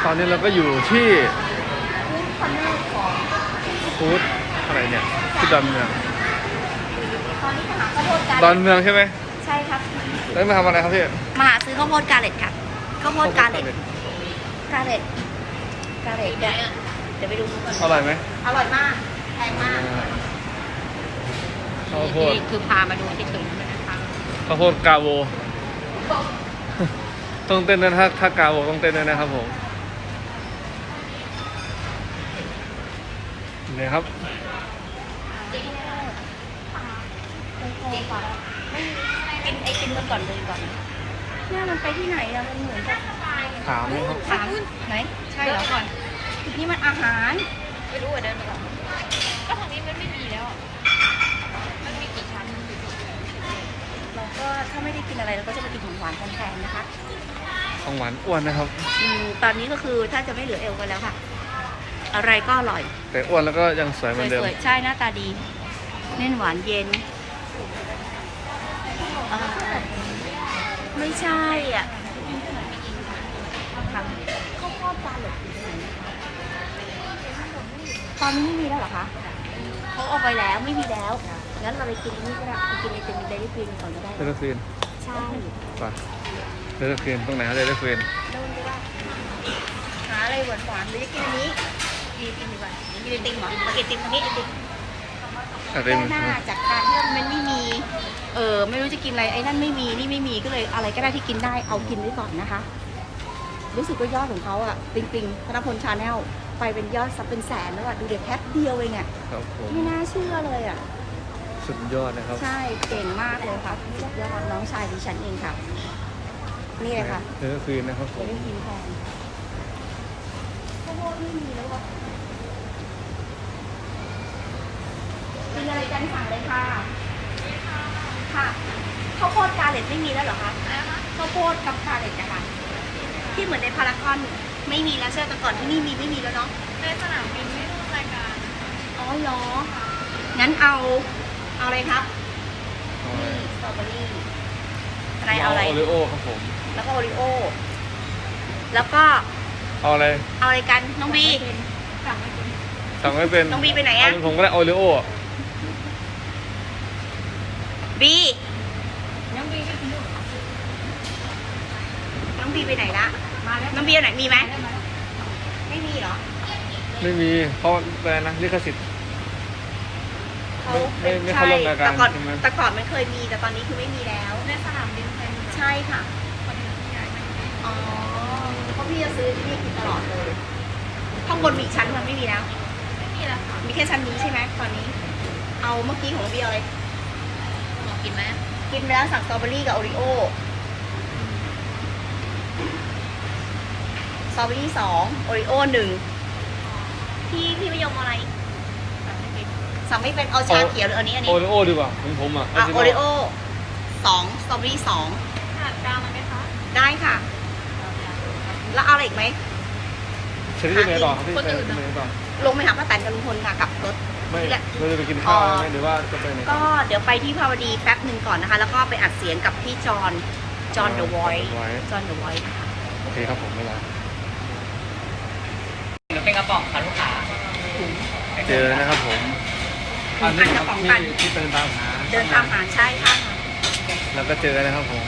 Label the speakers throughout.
Speaker 1: ตอนนี้เราก็อยู่ที่
Speaker 2: ฟู้ดคอร์เนอร์ของ
Speaker 1: ฟู้ดอะไรเนี่ยที่ดอนเมือง
Speaker 2: ตอนนี้มาหาข้าวโพดกา
Speaker 1: ด
Speaker 2: เล็
Speaker 1: อ
Speaker 2: ต
Speaker 1: นเมืองใช่ไหม
Speaker 2: ใช่ครับ
Speaker 1: แล้วมาทำอะไรครับพี่
Speaker 2: มาหาซื้อข้าวโพดกาเล็ตค่ะข้าวโพดกาเล็ตกาเล็ตเดี๋ยวไปดูกัน
Speaker 1: อร่อยไหม
Speaker 2: อร่อยมากแพงมาก
Speaker 1: ข้าวโพด
Speaker 2: นี่คือพามาดูเฉยๆนะคะ
Speaker 1: ข้าวโพดกาโว ต้องเต้นด้วยนะถ้ากาโวต้องเต้นด้วยนะครับผมนี่ครับ
Speaker 2: กินไอติมกันก่อนเลยก่อนเนี่ยมันไปที่ไหนอะมันเหมือนกับ
Speaker 1: ถามนะครับ
Speaker 2: ถามไหนใช่เหรอก่อนนี่มันอาหารไม่รู้อ่ะเดินไปก่อนก็ทางนี้มันไม่มีแล้วมันมีกี่ชั้นเราก็ถ้าไม่ได้กินอะไรเราก็จะมากินของหวานแทนๆนะคะ
Speaker 1: ของหวานอ้วนนะครับ
Speaker 2: ตอนนี้ก็คือถ้าจะไม่เหลือเอวกันแล้วค่ะ อะไรก็อร่อย
Speaker 1: แต่อ้วนแล้วก็ยังสวยเหมือนเดิม
Speaker 2: สวยๆใช่หน้าตาดีเน้นหวานเย็นไม่ใช่อ่ะข้าวโพดปลาหลดตอนนี้ไม่มีแล้วเหรอคะเขาเอาไปแล้วไม่มีแล้วงั้นเราไปกินนี่ก็ได้ไปกินไอติมเดลิฟรีนก่อนก็ได้
Speaker 1: เดลฟิน
Speaker 2: ใช่
Speaker 1: ป่ะเดลฟินตรงไหนครับเดลฟิน
Speaker 2: โดนด้วยหาอะไรหวานๆหรือจะกินอันนี้กินดีกว่ากินไอติมเหรอมากินไอติมตรงนี้ไอติม
Speaker 1: อะไร
Speaker 2: แก้หน้าจากการที่มันไม่มีไม่รู้จะกินอะไรไอ้นั่นไม่มีนี่ไม่มีก็เลยอะไรก็ได้ที่กินได้เอากินไว้ก่อนนะคะ รู้สึกว่ายอดของเขาอ่ะปิงธนพลชาแนลไปเป็นยอดซับเป็นแสนแล้วอ่ะดูเด็กแค่เดียวเองอ่ะ
Speaker 1: ครับผม
Speaker 2: ไม่น่าเชื่อเลยอ่ะ
Speaker 1: สุดยอดนะครับ
Speaker 2: ใช่เก่งมากเลยค่ะสุดยอดน้องชายดิฉันเองค่ะ นี่เลยค่ะ
Speaker 1: เดลฟินนะครับผ
Speaker 2: จะ
Speaker 1: ม
Speaker 2: ได้กินแทนข้าวโพดไม่มีแล้วอ่ะกินอะไรกันสั่งเลยค่ะค่ะข้าวโพดกาเล็ตไม่มีแล้วเหรอคะข้าวโพดกับกาเล็ตนะคะที่เหมือนในพารากอนไม่มีแล้วใช่ไหมแต่ก่อนที่นี่มีไม่มีแล้วเนาะ
Speaker 3: ในสนามบินไม่ร่วมรายการ
Speaker 2: อ๋อเหรองั้นเอาอะไรครับ
Speaker 1: เอาอะไร
Speaker 2: นี่สตรอเบอรี่อะไรเอาอะไร
Speaker 1: โอริโอครับผม
Speaker 2: แล้วก็โอริโอแล้วก็
Speaker 1: เอาอะไร
Speaker 2: เอาอะไรกันน้องบี
Speaker 1: สั่งไม่เป็น
Speaker 2: น้องบีไปไหนอะ
Speaker 1: เาเป็นผมก็ได้โอริโอ
Speaker 2: บี
Speaker 3: ยังมีไม่ถึงอยู่
Speaker 2: น้องบีไปไหนละ
Speaker 3: มาแล้ว
Speaker 2: น้องบีเอาไหนมีไหมไม่มีเหรอ
Speaker 1: ไม่มีเพราะอะไรนะลิขสิทธิ์
Speaker 2: เขา
Speaker 1: ไม่เข้าร่วมรายการ
Speaker 2: แต่ก่อน
Speaker 1: ใช่ไหม
Speaker 2: แต่ก่อนมันเคยมีแต่ตอนนี้คือไม่มีแล้ว
Speaker 3: ในสนามบินไทยมี
Speaker 2: ใช่ค่ะ
Speaker 3: คนที่ย้ายมา
Speaker 2: อ๋อเพราะพี่จะซื้อที่นี่กินตลอดเลยข้างบนมีอีกชั้นมันไม่มีแล้ว
Speaker 3: ไม่มีแล้วค่ะ
Speaker 2: มีแค่ชั้นนี้ใช่ไหมตอนนี้ เอาเมื่อกี้ของบีเอาอะไร
Speaker 3: หมอกินไหม
Speaker 2: กินไปแล้วสั่งสตรอเบอรี่กับโอริโอสตรอเบอรี่2โอริโอ1พี่ไม่ยอมอะไรสั่งไม่เป็นเอาชาเขียวหรืออันนี้
Speaker 1: โอริโอดีกว่าของผมอ่ะ
Speaker 2: โอริโอ2สตรอเบอรี่2
Speaker 3: ขนาดกลางมันไหมคะ
Speaker 2: ได้ค่ะ แล้วเอาอะไรอีกไหม
Speaker 1: ชนิดไหนต่อครับพี่ไปไหนต่อ
Speaker 2: ลงไปหาป้าแตนกับลุงพลค่ะกลับรถ
Speaker 1: ไม่เราจะไปกินข้าวไหมหรือว่าจะไปไหน
Speaker 2: ก็เดี๋ยวไปที่ภาวดีแป๊บหนึ่งก่อนนะคะ แล้วก็ไปอัดเสียงกับพี่จอห์นเดอะไวท์จอห์นเดอะไวท์
Speaker 1: โอเคครับผมเวลา
Speaker 4: หรือเป็นกระป๋องค่ะลูกค้า
Speaker 1: เจอนะครับผมอันนี้ครับที่เดินตามหา
Speaker 2: เดินตามหาใช่ค่ะ
Speaker 1: แล้วก็เจอนะครับผม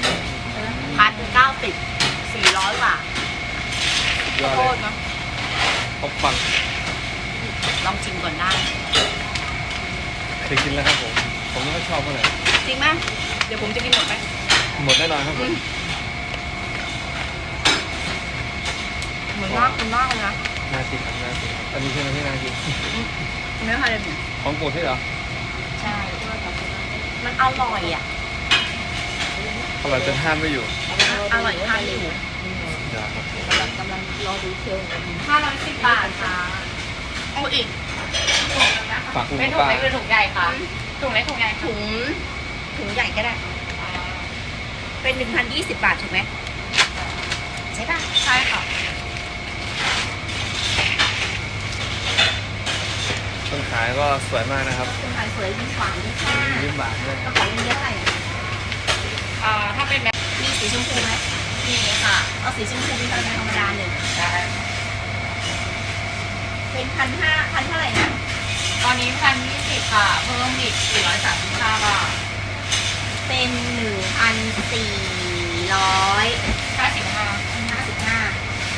Speaker 2: 1,090 400 บาท
Speaker 1: ยอด
Speaker 2: โค
Speaker 1: เลย
Speaker 2: ตรเนาะ
Speaker 1: ครบปัง
Speaker 2: ลองชิมก่อนได้
Speaker 1: เคยกินแล้วครับผมไม่ชอบเท่าไหร่
Speaker 2: จริงไหมเดี๋ยวผมจะกินหมดไหม
Speaker 1: หมดแน่นอนครับผม
Speaker 2: เหมือนมากคุณมากเลยนะ
Speaker 1: น่ากินครับน่ากินอันนี้ใช่ไหมที่น่ากิน
Speaker 2: เนื้อฮาเลม
Speaker 1: ของโปรดใช่เหรอ
Speaker 2: ใช่มันอร่อยอ่ะ
Speaker 1: อร่อยจนห้ามไม่อยู่
Speaker 2: อร่อยทานอยู่
Speaker 1: อย่าครับผม
Speaker 2: กำลังรอดูเชล
Speaker 3: 510 บาทค่ะ
Speaker 2: เอาอีก
Speaker 1: ฝากคุณ
Speaker 3: เป็นถุง
Speaker 1: ป้า
Speaker 3: เล็กหรือถุงใหญ่คะถุงเล็กถุงใหญ่ค่ะ
Speaker 2: ถุงใหญ่ก็ได้ เป็น 1,020 บาทถูกไหมใช่ป่ะ
Speaker 3: ใช่ค่ะ
Speaker 1: คนขายก็สวยมากนะครับ
Speaker 2: คุณขายสวยยิ้มหวานยิ้มซ่า
Speaker 1: ยิ้มหวานด้วย
Speaker 2: กระเป๋าเงินเยอะอะไรอ่ะ
Speaker 3: ถ้าเป็นแบบ
Speaker 2: มีสีชมพูไหม
Speaker 3: นี้ค่ะ
Speaker 2: เอาสีชมพูมีธรรมดาหนึ่ง
Speaker 3: ได้
Speaker 2: 1,500พันเท่าไหร่นะ
Speaker 3: ตอนนี้1,020ค่ะ เพิ่มอีก435 บาท
Speaker 2: เป็น 1,455
Speaker 3: 55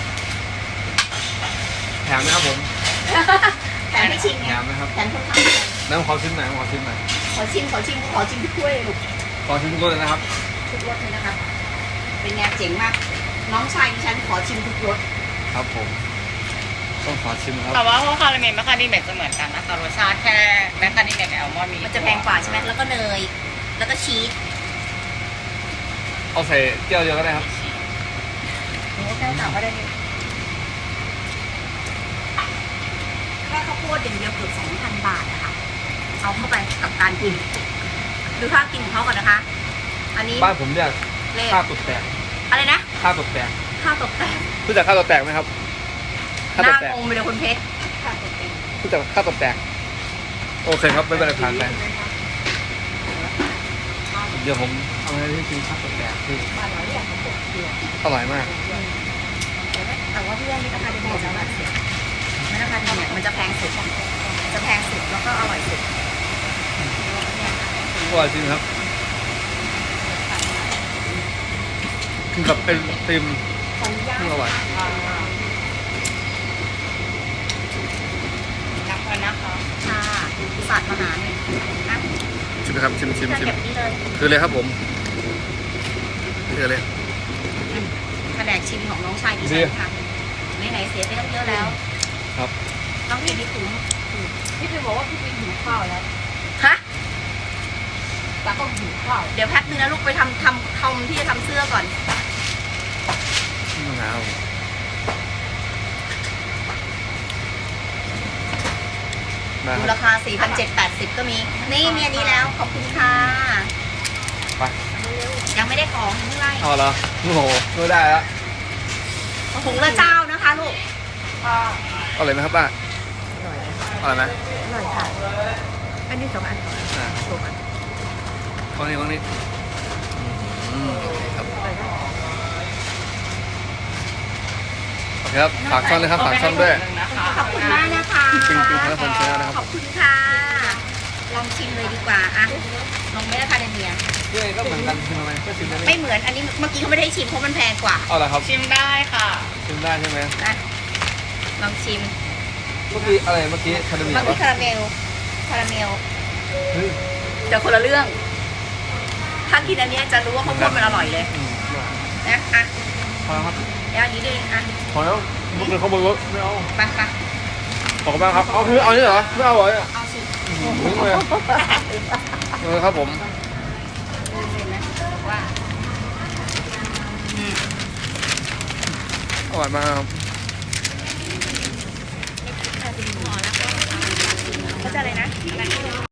Speaker 1: แถมไหมครับผม
Speaker 2: แถมให้ชิมไง
Speaker 1: แถมไหมครับ
Speaker 2: แถมค่อนข้างแพง
Speaker 1: แล้วขอชิมหน่อยขอชิมหน่อย
Speaker 2: ขอชิมทุกถ้วยเลยลูก
Speaker 1: ขอชิมทุกรสเลยนะครับ
Speaker 2: ทุกรสเลยนะครับ เป็นไงเจ๋งมาก น้องชายดิฉันขอชิมทุกรส
Speaker 1: ครับผมต้องขอชิมครับ
Speaker 3: แต่ว่าพวกคาราเมลแมคคาเดเมียจะเหมือนกันนะคะรสชาติแค่แมคคาเดเมียกับแอลมอนด์มี
Speaker 2: มันจะแพงกว่าใช่ไหมแล้วก็เนย แล้วก็ชีส
Speaker 1: เอาใส่เกี๊ยวเดียวก็ได้ครับ
Speaker 2: โอ้แก้วเต่าก็ได้เลยแค่ข้าวโพดอย่างเดียวเกือบ 2,000 บาทนะคะ เอาเข้าไปกับการกิน ดูท่ากินของเขาก่อนนะคะ อันนี้
Speaker 1: บ้านผมเรียก
Speaker 2: เลข
Speaker 1: ข้าวตกแตก
Speaker 2: อะไรนะ
Speaker 1: ข้าวตกแตก
Speaker 2: ข้าวตกแต่ง
Speaker 1: รู้จักข้าวตกแตกไหมครับ
Speaker 2: ห
Speaker 1: ข้าวต
Speaker 2: น้าก
Speaker 1: แตก
Speaker 2: งงไปเลยคุณเพชรข้าวตกแต่ง
Speaker 1: รู้จักข้าวตกแตกโอเคครับไม่เป็นไรผ่านไปเดี๋ยวผมเอาอะไรที่กินข้าวตกแตกที่
Speaker 2: บ้านเราเรียกข้าวตกเดียว
Speaker 1: อร่อยมาก
Speaker 2: แต่ว่าเพื่อนนี่ราคาเดียวจะมาเสียไม่ราคาเดียวเนี่ยมันจะแพงสุดจะแพงสุดแล้วก็อร่อยสุดเนี่ย
Speaker 1: อร่อยจริงครับกินกับเป็นติม
Speaker 2: ขออนุญาต
Speaker 1: อร่อย
Speaker 3: นับกันนะคะ
Speaker 2: ค่ะสัตว์มาหาเนี่ยนะ
Speaker 1: ชิมนะครับชิม
Speaker 2: จะเก็บนี่เลย
Speaker 1: คือเลยครับผมคือเลย
Speaker 2: แผนกชิมของน้องชายดิฉันค่ะไหนๆเสียไปตั้งเยอะแล้ว
Speaker 1: ครับ
Speaker 2: ต้องกินที่คุ้ม
Speaker 3: พี่พิมบอกว่าพี่พิมหิวข้าวแล้ว
Speaker 2: ฮะ
Speaker 3: แต่ก็หิวข้าว
Speaker 2: เดี๋ยวแป๊บนึงนะลูกไปทำที่จะทำเสื้อก่อน
Speaker 1: มะนาวมา
Speaker 2: ดู
Speaker 1: ครั
Speaker 2: รา
Speaker 1: บ
Speaker 2: คา 4,780 ก็มี นี่มีอันนี้แล้ว ขอบคุณค่ะ
Speaker 1: ไป
Speaker 2: ยังไม่ได้ของยังไม่ไล่
Speaker 1: เอาเหรอโอ้โหไม่ได้แล้ว
Speaker 2: ถุงละเจ้านะคะลูก
Speaker 1: อร่อยไหมครับป้า
Speaker 2: อร่อย
Speaker 1: อร่อยไหม
Speaker 2: อร่อยค่ะ อันนี้2 อันก่อน
Speaker 1: อ่า
Speaker 2: 2 อัน
Speaker 1: วางนี่ครับโอเคครับฝากช่องเลยครับฝากช่องด้วย
Speaker 2: ขอบคุณมากนะคะ
Speaker 1: ปิงธนพลชาแนลนะครับ
Speaker 2: ขอบคุณค่ะ ลองชิมเลยดีกว่าอะลองไม่ได้คาเดเมีย
Speaker 1: ด้วยก็เหมือนกันชิมไหมก็ชิมได้ไหม
Speaker 2: ไม่เหมือน อันนี้เมื่อกี้เขาไม่ได้ชิมเพราะมันแพงกว่า
Speaker 1: เอาละครับ
Speaker 3: ชิมได้ค่ะ
Speaker 1: ชิมได้ใช่ไหม
Speaker 2: นะ ลองชิม
Speaker 1: เมื่อกี้อะไรเมื่อกี้คาเดเมีย
Speaker 2: เมื่อ
Speaker 1: ปะ
Speaker 2: กี้คาราเมล คาราเมล
Speaker 1: เฮ้ย
Speaker 2: แต่คนละเรื่อง ถ้ากินอันเนี้ยจะรู้ว่าข้าวโพดมันอร่อยเลย นะ อ่ะ
Speaker 1: พอแล้วครับ
Speaker 2: แล้วอันนี้ด้วยอ่ะ
Speaker 1: พอแล้วเมื่อกี้เขาบอกว่าไม่เอา
Speaker 2: ไปไป
Speaker 1: ขอบคุณมากครับเอาคือเอานี่เหรอไม่เอาเหรอเนี่ย
Speaker 2: เอาสิ
Speaker 1: ถึงเลยครับผม
Speaker 2: เห็นไหมบอกว่าอืม
Speaker 1: อร่อยมากครับ
Speaker 2: เขาจะอะไรนะ